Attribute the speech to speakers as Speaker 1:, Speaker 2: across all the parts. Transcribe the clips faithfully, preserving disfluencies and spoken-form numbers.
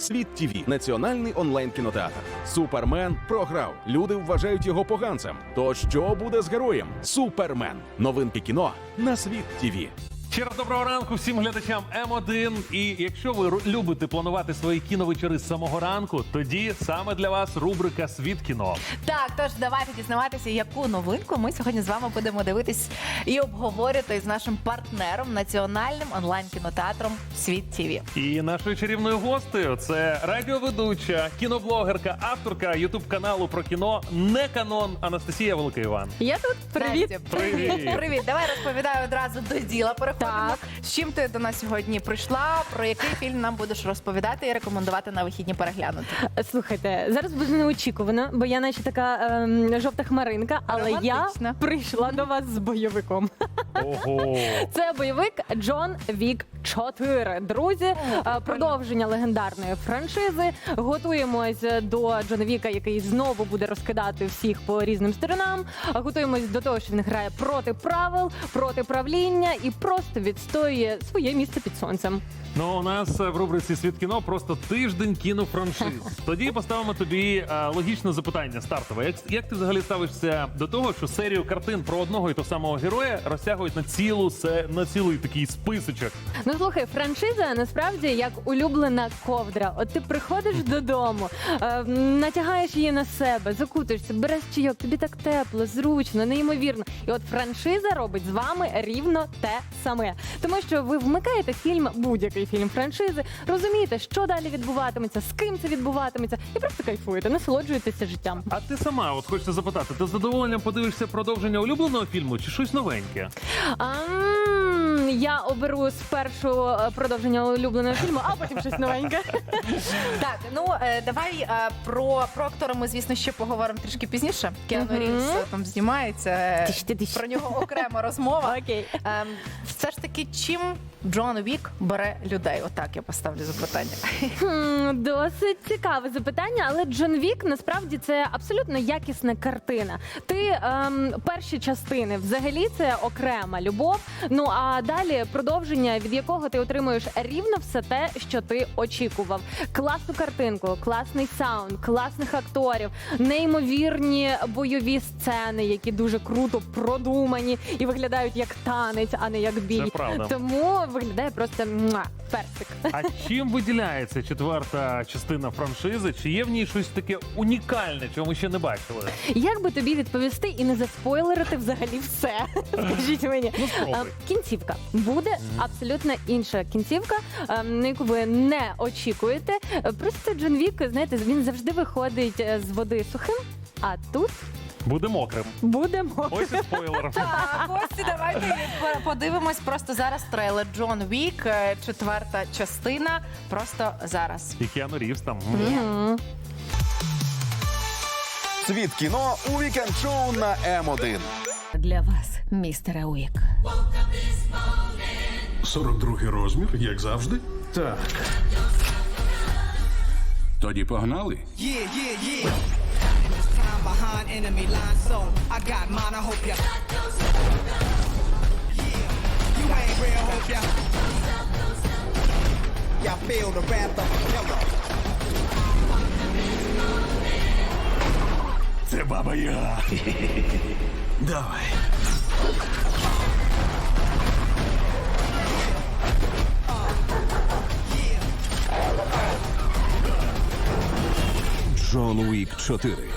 Speaker 1: Світ ТІВІ – національний онлайн-кінотеатр. Супермен програв. Люди вважають його поганцем. То що буде з героєм? Супермен. Новинки кіно на Світ ТІВІ.
Speaker 2: Ще раз доброго ранку всім глядачам М один. І якщо ви ру- любите планувати свої кіновечори з самого ранку, тоді саме для вас рубрика «Світ кіно».
Speaker 3: Так, тож давайте дізнаватися, яку новинку ми сьогодні з вами будемо дивитись і обговорювати з нашим партнером, національним онлайн-кінотеатром Світ ТІВІ.
Speaker 2: І нашою чарівною гостею це радіоведуча, кіноблогерка, авторка ютуб-каналу про кіно «Не канон» Анастасія Велика Іван.
Speaker 4: Я тут. Привіт.
Speaker 3: Настя,
Speaker 2: Привіт.
Speaker 3: Привіт. Давай розповідаю одразу до діла. Переходимо.
Speaker 4: Так.
Speaker 3: З чим ти до нас сьогодні прийшла, про який фільм нам будеш розповідати і рекомендувати на вихідні переглянути?
Speaker 4: Слухайте, зараз буде неочікувано, бо я наче така ем, жовта хмаринка, але я
Speaker 3: Романтично.
Speaker 4: прийшла до вас з бойовиком.
Speaker 2: Ого!
Speaker 4: Це бойовик Джон Вік чотири. Друзі, е, продовження легендарної франшизи. Готуємось до Джона Віка, який знову буде розкидати всіх по різним сторонам. Готуємось до того, що він грає проти правил, проти правління і просто відстоює своє місце під сонцем.
Speaker 2: Ну, у нас е, в рубриці «Світ кіно» просто тиждень кінофраншиз. Тоді поставимо тобі е, логічне запитання стартове. Як, як ти взагалі ставишся до того, що серію картин про одного і того самого героя розтягують на цілу се- на цілий такий списочок?
Speaker 4: Ну слухай, франшиза насправді як улюблена ковдра. От ти приходиш додому, е, натягаєш її на себе, закутуєшся, береш чайок, тобі так тепло, зручно, неймовірно. І от франшиза робить з вами рівно те саме. Тому що ви вмикаєте фільм, будь-який фільм франшизи, розумієте, що далі відбуватиметься, з ким це відбуватиметься, і просто кайфуєте, насолоджуєтеся життям.
Speaker 2: А ти сама, от хочеться запитати, ти з задоволенням подивишся продовження улюбленого фільму чи щось новеньке?
Speaker 4: Ам, я оберу спершу е, продовження улюбленого фільму, а потім щось новеньке.
Speaker 3: Так, ну е, давай е, про, про актора ми, звісно, ще поговоримо трішки пізніше. Кіану
Speaker 4: Мгм.
Speaker 3: Рівз е, там знімається. е,
Speaker 4: Тиш ти, тиш.
Speaker 3: Про нього окрема розмова.
Speaker 4: Окей.
Speaker 3: Ем, все ж таки, чим Джон Вік бере людей? Отак я поставлю запитання.
Speaker 4: Хм, досить цікаве запитання, але Джон Вік насправді це абсолютно якісна картина. Ти ем, перші частини взагалі це окрема любов. Ну а далі продовження, від якого ти отримуєш рівно все те, що ти очікував. Класну картинку, класний саунд, класних акторів, неймовірні бойові сцени, які дуже круто продумані і виглядають як танець, а не як бій.
Speaker 2: Це правда.
Speaker 4: Тому виглядає просто муа, персик.
Speaker 2: А чим виділяється четверта частина франшизи? Чи є в ній щось таке унікальне, чого ми ще не бачили?
Speaker 4: Як би тобі відповісти і не заспойлерити взагалі все? Скажіть мені.
Speaker 2: Ну, спробуй.
Speaker 4: А, Кінцівка. Буде абсолютно інша кінцівка, а, на яку ви не очікуєте. Просто Джон Вік, знаєте, він завжди виходить е, з води сухим, а тут
Speaker 2: Буде мокрим.
Speaker 4: буде мокрим.
Speaker 2: Ось і спойлер.
Speaker 3: Так, ось давайте подивимось просто зараз трейлер Джон Вік, е, четверта частина. Просто зараз.
Speaker 2: І Кіану Рівз там.
Speaker 4: Мгм.
Speaker 1: Світ кіно у вікенд-шоу на М один.
Speaker 3: Для вас, містере Уік.
Speaker 5: сорок другий розмір, як завжди. Так.
Speaker 6: Тоді погнали.
Speaker 7: Yeah, yeah, yeah. Time behind enemy line, so I got mine. I hope ya. Yeah, you ain't real, hope ya. Y'all feel the wrath of killer.
Speaker 6: Це баба Яга.
Speaker 5: Давай.
Speaker 1: Джон Вік чотири.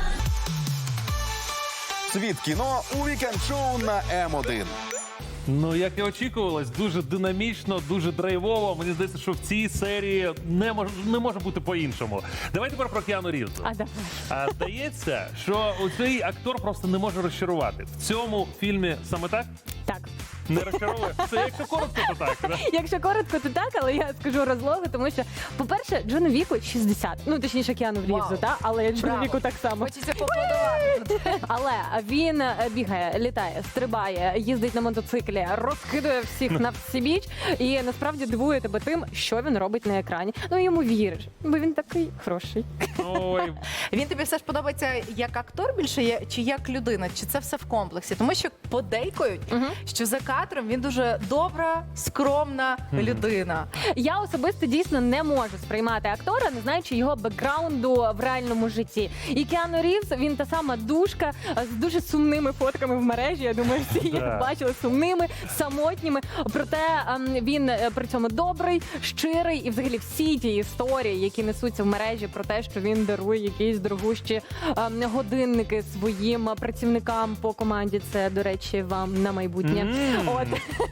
Speaker 1: Світ кіно у вікенд-шоу на М один.
Speaker 2: Ну, як і очікувалось, дуже динамічно, дуже драйвово. Мені здається, що в цій серії не може, не може бути по-іншому. Давай тепер про Кіану Рівза.
Speaker 4: А давай.
Speaker 2: А, здається, що цей актор просто не може розчарувати. В цьому фільмі саме так?
Speaker 4: Так.
Speaker 2: Не розчаровує? Це якщо коротко, то так. Да?
Speaker 4: Якщо коротко, то так, але я скажу розлогу, тому що, по-перше, Джону Віку шістдесят. Ну, точніше, Кіану Рівзу,
Speaker 3: Вау.
Speaker 4: та? Але Джону
Speaker 3: Браво.
Speaker 4: Віку так само.
Speaker 3: Хочеться поаплодувати.
Speaker 4: Але він е, бігає, літає, стрибає, їздить на мотоциклі, розкидує всіх на всебіч і насправді дивує тебе тим, що він робить на екрані. Ну йому віриш, бо він такий хороший.
Speaker 2: Ой,
Speaker 3: Він тобі все ж подобається як актор більше є, чи як людина? Чи це все в комплексі? Тому що подейкують, що за кінотеатром. Він дуже добра, скромна людина.
Speaker 4: Я особисто дійсно не можу сприймати актора, не знаючи його бекграунду в реальному житті. І Кіану Рівз, він та сама душка з дуже сумними фотками в мережі. Я думаю, всі їх
Speaker 2: Да.
Speaker 4: бачили сумними, самотніми. Проте ем, він е, при цьому добрий, щирий, і взагалі всі ті історії, які несуться в мережі про те, що він дарує якісь дорогущі ем, годинники своїм працівникам по команді. Це, до речі, вам на майбутнє.
Speaker 2: Мм.
Speaker 4: От.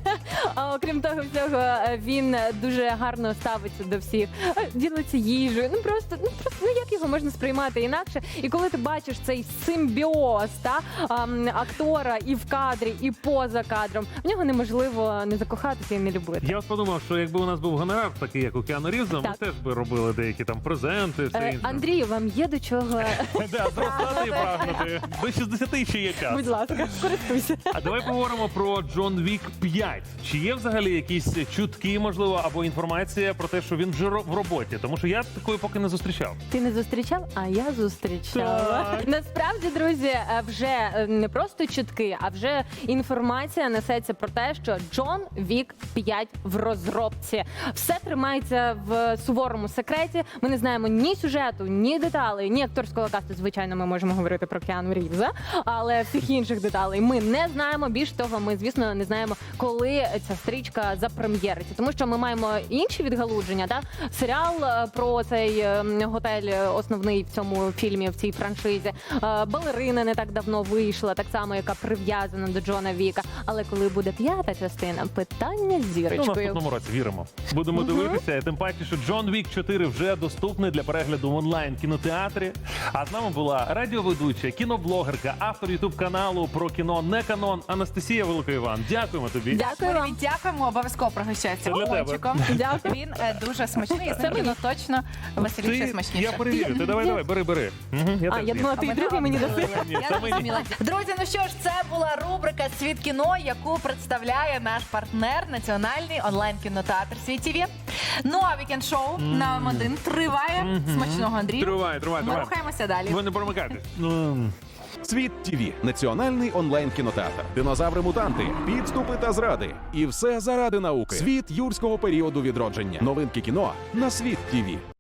Speaker 4: А окрім того всього, е, він дуже гарно ставиться до всіх, е, ділиться їжею. Ну просто, ну просто ну як його можна сприймати інакше? І коли ти бачиш цей симбіоз та ем, актора і в кадрі, і поза кадром, в нього неможливо не закохатися і не любити.
Speaker 2: Я от подумав, що якби у нас був гонорар, такий як у Кіану Рівза, ми
Speaker 4: Так.
Speaker 2: теж би робили деякі там презенти. все
Speaker 4: Е,
Speaker 2: інше.
Speaker 4: Андрію, вам є до чого?
Speaker 2: Да, зростати і прагнути. До шістдесяти ще є час.
Speaker 4: Будь ласка, користуйся.
Speaker 2: А давай поговоримо про Джон Вік п'ять. Чи є взагалі якісь чутки, можливо, або інформація про те, що він вже ро- в роботі? Тому що я такої поки не зустрічав.
Speaker 4: Ти не зустрічав, а я зустрічала.
Speaker 2: Так.
Speaker 4: Насправді, друзі, е, вже е, не просто чутки, а вже інформація несеться про те, що Джон Вік п'ять в розробці. Все тримається в суворому секреті. Ми не знаємо ні сюжету, ні деталей, ні акторського касту. Звичайно, ми можемо говорити про Кіану Рівза, але всіх інших деталей ми не знаємо. Більш того, ми, звісно, не знаємо, коли ця стрічка запрем'єриться. Тому що ми маємо інші відгалудження. Да? Серіал е, про цей е, готель е, основний в цьому фільмі, в цій франшизі. Е, Балерина не так давно вийшла, так само, яка прив'язана до Джона Віка. Але коли буде п'ята частина, питання з
Speaker 2: Ну, в
Speaker 4: зірочкою.
Speaker 2: наступному році віримо. Будемо дивитися. Тим паче, що Джон Вік чотири вже доступний для перегляду в онлайн кінотеатрі. А з нами була радіоведуча, кіноблогерка, автор ютуб каналу про кіно не канон Анастасія Великоїван. Дякуємо тобі.
Speaker 4: Дякую вам.
Speaker 3: Привіт, дякуємо, обов'язково пригощайтеся
Speaker 2: Це для тебе.
Speaker 3: пончиком.
Speaker 4: Дякую.
Speaker 3: Він е, дуже смачний, і
Speaker 4: Це
Speaker 3: це
Speaker 4: мені.
Speaker 3: кіно точно веселіше,
Speaker 2: Ти,
Speaker 3: смачніше.
Speaker 2: я перевірю. Ти давай, давай, бери, бери. Мгм, я
Speaker 4: А,
Speaker 2: теж
Speaker 4: я
Speaker 2: з'їм.
Speaker 4: думала, ти і другий мені даси.
Speaker 2: Ні,
Speaker 3: Я
Speaker 2: це мені.
Speaker 3: зрозуміла. Друзі, ну що ж, це була рубрика «Світ кіно», яку представляє наш партнер, національний онлайн-кінотеатр «Світ ТІВІ». Ну, а вікенд-шоу на М один триває. Смачного, Андрію.
Speaker 2: Тривай, тривай,
Speaker 3: Ми
Speaker 2: тривай.
Speaker 3: рухаємося далі.
Speaker 2: Ви не промикайтесь. Ну,
Speaker 1: Світ ТІВІ – національний онлайн-кінотеатр. Динозаври-мутанти, підступи та зради. І все заради науки. Світ юрського періоду відродження. Новинки кіно на Світ ТІВІ.